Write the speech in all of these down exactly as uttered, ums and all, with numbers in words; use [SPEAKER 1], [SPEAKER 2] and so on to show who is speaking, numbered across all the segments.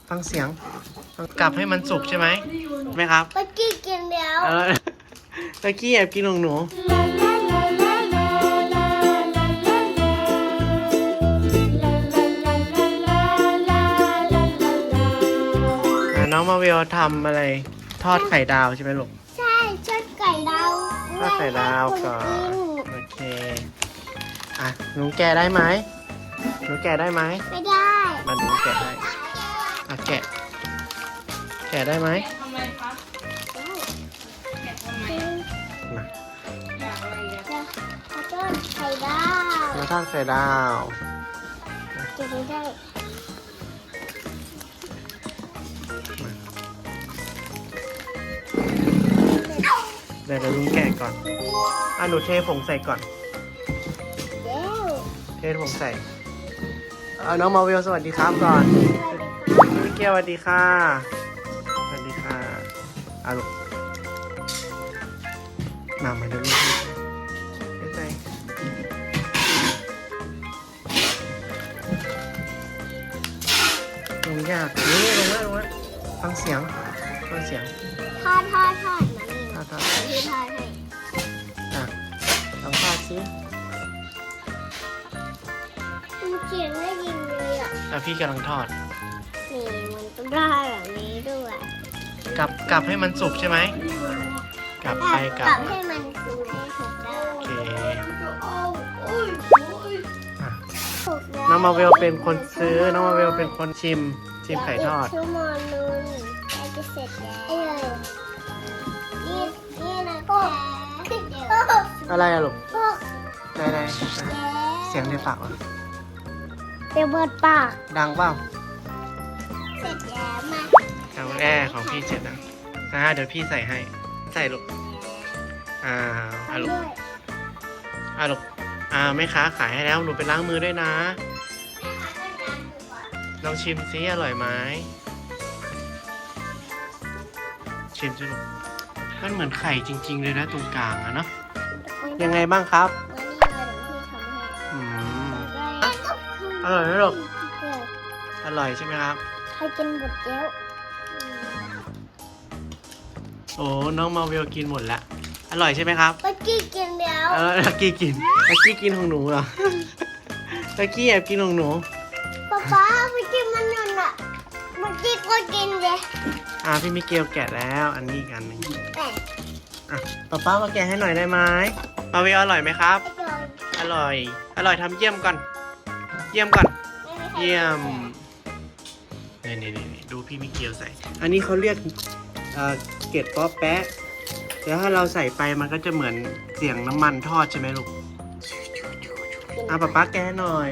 [SPEAKER 1] ฟังเสียงกลับให้มันสุกใช่ไหมไหมครับ
[SPEAKER 2] เมื่อกี้กินแล้ว
[SPEAKER 1] เออตะกี้แอบกินของหนูน้องมาวิวทำอะไรทอดไข่ดาวใช่ไหมลูก
[SPEAKER 2] ใช่ชดไก่ดาว
[SPEAKER 1] ทอดไข่ดาวก่อนโอเคอ่ะหนูแกะได้ไหมหนูแกะได้ไหม
[SPEAKER 2] ไม่ได้
[SPEAKER 1] มาดูแกะได้อ่ะแกะแกะได้ไหม
[SPEAKER 3] ทำไมครับแกะทำไม
[SPEAKER 1] มา
[SPEAKER 3] อยากอะไรอ่ะ
[SPEAKER 2] จะทอดไข่ดาว
[SPEAKER 1] มาทอดไข่ดาว
[SPEAKER 2] กินได้
[SPEAKER 1] เดี๋ยวเดี๋ยวลุงแกะก่อนอ่ะหนูเทผงใส่ก่อน
[SPEAKER 2] เดี๋ยว
[SPEAKER 1] เทผงใส่เอาน้องมาวิวสวัสดีครับก่อนพี่เกียวสวัสดีค่ะสวัสดีค่ะอ่ะลูกมามาเดี๋ยวลูกใส่ลงยากนี่ลงแล้วลงแล้วฟังเสียงฟังเสียง
[SPEAKER 2] ทอดทอดทอดมานี่
[SPEAKER 1] ทอดทอด
[SPEAKER 2] พี่ทอดให้
[SPEAKER 1] อ่ะลองทอดสิ
[SPEAKER 2] มันเสียงได้ยินเลยอ่ะ
[SPEAKER 1] อ่ะพี่กำลังทอด
[SPEAKER 2] นี่มันต้องได้แบบนี้ด้วย
[SPEAKER 1] กลับกลับให้มันสุกใช่ไหมกลับไปกลั
[SPEAKER 2] กลั
[SPEAKER 1] บบ
[SPEAKER 2] ให้มันสุกให้ถูกได้
[SPEAKER 1] โอเค
[SPEAKER 3] โอ้ยโอ้ย
[SPEAKER 1] อ่ะ
[SPEAKER 2] ถูกได้
[SPEAKER 1] น้องมาเวลเป็นคนซื้อ น้องมาเวลเป็นคนชิม ชิมไข่ทอด
[SPEAKER 2] กชั่วโมงนึงใกล้จะเสร็จแล้วเอ้ยนี่นี่นะก็เดี๋ยว
[SPEAKER 1] อะไรอะลูก
[SPEAKER 2] ก็
[SPEAKER 1] ไหนไหนเสียงในปากวะ
[SPEAKER 2] เดี๋ยวเปิดปาก
[SPEAKER 1] ดังเปล่า
[SPEAKER 2] เสร็จแล้วมา
[SPEAKER 1] ทางแอร์ของพี่เสร็จแล้วอ่าเดี๋ยวพี่ใส่ให้ ใส่ลูกอ่าอ่าลูก
[SPEAKER 2] ด้วย
[SPEAKER 1] อ่าลูกอ่าแม่ค้าขายให้แล้ว หนูไปล้างมือด้วยนะ ลองชิมซิอร่อยไหมชิมสิลูกมันเหมือนไข่จริง ๆ เลยนะตรงกลางอะเนาะ ยังไงบ้างครับ
[SPEAKER 2] วันนี้มาเดี๋ยวพี่ทำให้
[SPEAKER 1] อืม
[SPEAKER 2] ได้
[SPEAKER 1] อร่อยไหมลูก
[SPEAKER 2] เดี๋ยว
[SPEAKER 1] อร่อยใช่ไหมครับ
[SPEAKER 2] ให้กินหมดแล้ว
[SPEAKER 1] โอ้ น้องมาเวลกินหมดแล้ว อร่อยใช่ไหมครับ
[SPEAKER 2] เมื่อกี้กินแล้ว
[SPEAKER 1] เออตะกี้กินตะกี้กินของหนูเหรอ ตะกี้แอบกินของหนู
[SPEAKER 2] ป๊าป๊าเมื่อกี้มันนั่นอะเมื่อกี้ก็กินเลย
[SPEAKER 1] อ่าพี่มิเกลแกะแล้ว อันนี้อีกอันหนึ่ง
[SPEAKER 2] แต่
[SPEAKER 1] อ่ะป้าป้ามาแกะให้หน่อยได้ไหมมาเวลอร่อยไหมครับ
[SPEAKER 2] ไอ้ตัว
[SPEAKER 1] อร่อย อร่อยทำเยี่ยมก่อน เยี่ยมก่อน
[SPEAKER 2] ไม่มีใคร
[SPEAKER 1] เยี่ยม นี่นี่นี่ดูพี่มิเกลใส่ อันนี้เขาเรียกเอ่อเกล็ดป๊อปแปะแล้วถ้าเราใส่ไปมันก็จะเหมือนเสียงน้ำมันทอดใช่ไหมลูกอ่ะป้าป้าแกะให้หน่อย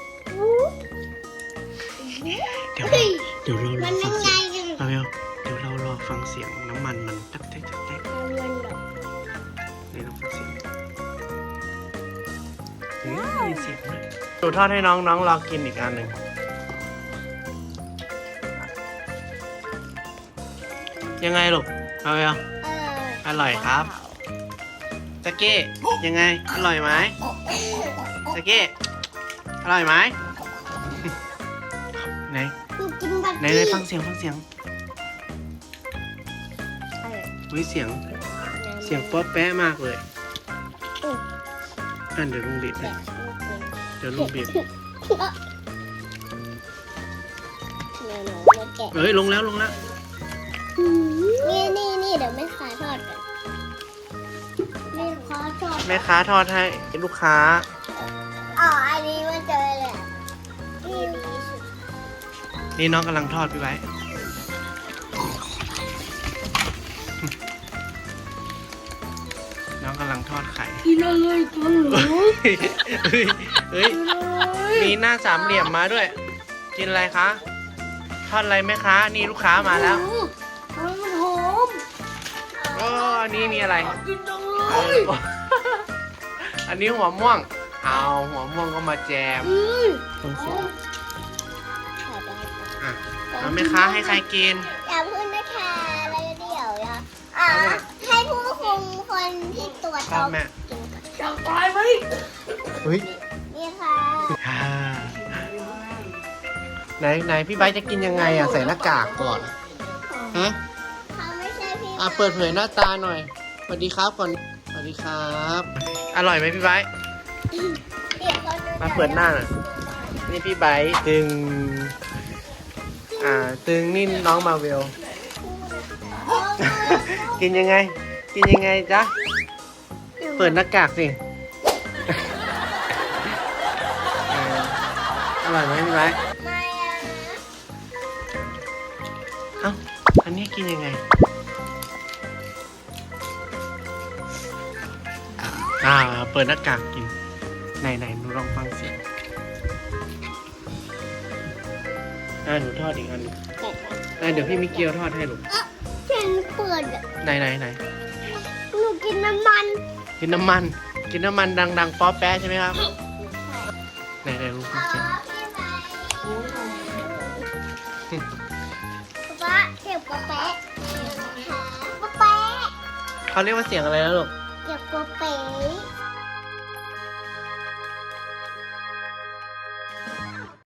[SPEAKER 1] เดี๋ยว
[SPEAKER 2] เฮ้ย
[SPEAKER 1] เดี๋ยวเราร
[SPEAKER 2] มั
[SPEAKER 1] อน ฟั
[SPEAKER 2] ยัง ง
[SPEAKER 1] เสี
[SPEAKER 2] ไง
[SPEAKER 1] ยง
[SPEAKER 2] กัน
[SPEAKER 1] มาเวลเดี๋ยวเรารอฟังเสียงน้ำมันมันตักแตกตักแตก
[SPEAKER 2] มันเหรอ
[SPEAKER 1] นี่เราฟังเสียงเฮ้ยเสียงเลยหนูทอดให้น้องน้องรอกินอีกอันหนึ่งยังไงลูกมาเวล
[SPEAKER 2] เออ
[SPEAKER 1] อร่อยครับตะเก้ยังไงอร่อยไหมตะเก้อร่อยไหม ไหน
[SPEAKER 2] กูกินบัต
[SPEAKER 1] ไหนไหนฟังเสียงฟังเสียงเฮ้ยเสียงเสียงป๊อปแป๊ะมากเลยอันเดี๋ยวลุงบีบเลยเดี๋ยวลุงบีบเฮ้ยลงแล้วลงแล้ว
[SPEAKER 2] นี่นี่นี่เดี๋ยวไม่ขายทอดกันไม่ขอทอด
[SPEAKER 1] แม่ค้าทอดให้ลูกค้า
[SPEAKER 2] อ๋ออันนี้มันเจอเลยนี่ดีสุด
[SPEAKER 1] นี่น้องกำลังทอดพี่ไว้ น้องกำลังทอดไข่
[SPEAKER 3] กินอะไรกันเหรอ
[SPEAKER 1] เฮ้ยเฮ้ย มีหน้าสามเหลี่ยมมาด้วย กินอะไรคะ ทอดอะไรไหมคะ นี่ลูกค้ามาแล้ว
[SPEAKER 3] มันหอม
[SPEAKER 1] ก็อันนี้มีอะไร
[SPEAKER 3] กินจัง
[SPEAKER 1] เอ
[SPEAKER 3] เลย
[SPEAKER 1] ออันนี้หัวม่วง เอาหัวม่วงก็มาแจม
[SPEAKER 3] อืม
[SPEAKER 1] ต้องเสียง
[SPEAKER 2] ขายได้ค่ะ
[SPEAKER 1] อ่ะเอาไหมคะให้ใครกิน
[SPEAKER 2] อย่าพึ่งนะคะแล้วเดี๋ยวนะอ่าให้ผู้คุมคนที่ตรวจ
[SPEAKER 1] ครับแม่
[SPEAKER 2] กินก่อน
[SPEAKER 3] อยากตายไหม
[SPEAKER 1] เฮ้ย
[SPEAKER 2] นี่ค่ะ
[SPEAKER 1] อ่าไหนไหนพี่ไบร์ทจะกินยังไงอ่ะใส่หน้ากากก่อนฮะ
[SPEAKER 2] เขาไม่ใช่พี่
[SPEAKER 1] อ่ะเปิดเผยหน้าตาหน่อยสวัสดีครับก่อนสวัสดีครับ อร่อยไหมพี่ไบร์ท
[SPEAKER 2] เดี๋ยวเขาจะ
[SPEAKER 1] มาเปิดหน้าหน่อยนี่พี่ไบร์ทตึงอ่าตึงนี่น้องมาเวล กินยังไง กินยังไงจ๊ะเปิดหน้ากากสิเอออร่อยไหมพี่ไบร์ท
[SPEAKER 2] ไม่อะ
[SPEAKER 1] เอ้าอันนี้กินยังไงอ่าเปิดหน้ากากกินไหนไหนหนูลองฟังเสียงอ่าหนูทอดอีกอันหนึ่งอ่าเดี๋ยวพี่มิเกียวทอดให้ลูก
[SPEAKER 2] ฉันเปิดอะ
[SPEAKER 1] ไหนไหนไหน
[SPEAKER 2] หนูกินน้ำมัน
[SPEAKER 1] กินน้ำมัน กินน้ำมันดังๆป๊อปแป๊ะใช่ไหมครับไหนไหนลูกฟังเสียง
[SPEAKER 2] ป๊าเก็บป๊าแป๊ะป๊าแป๊ะ
[SPEAKER 1] เขาเรียกว่าเสียงอะไรนะลูก
[SPEAKER 2] เก็บป๊าแป๊ะ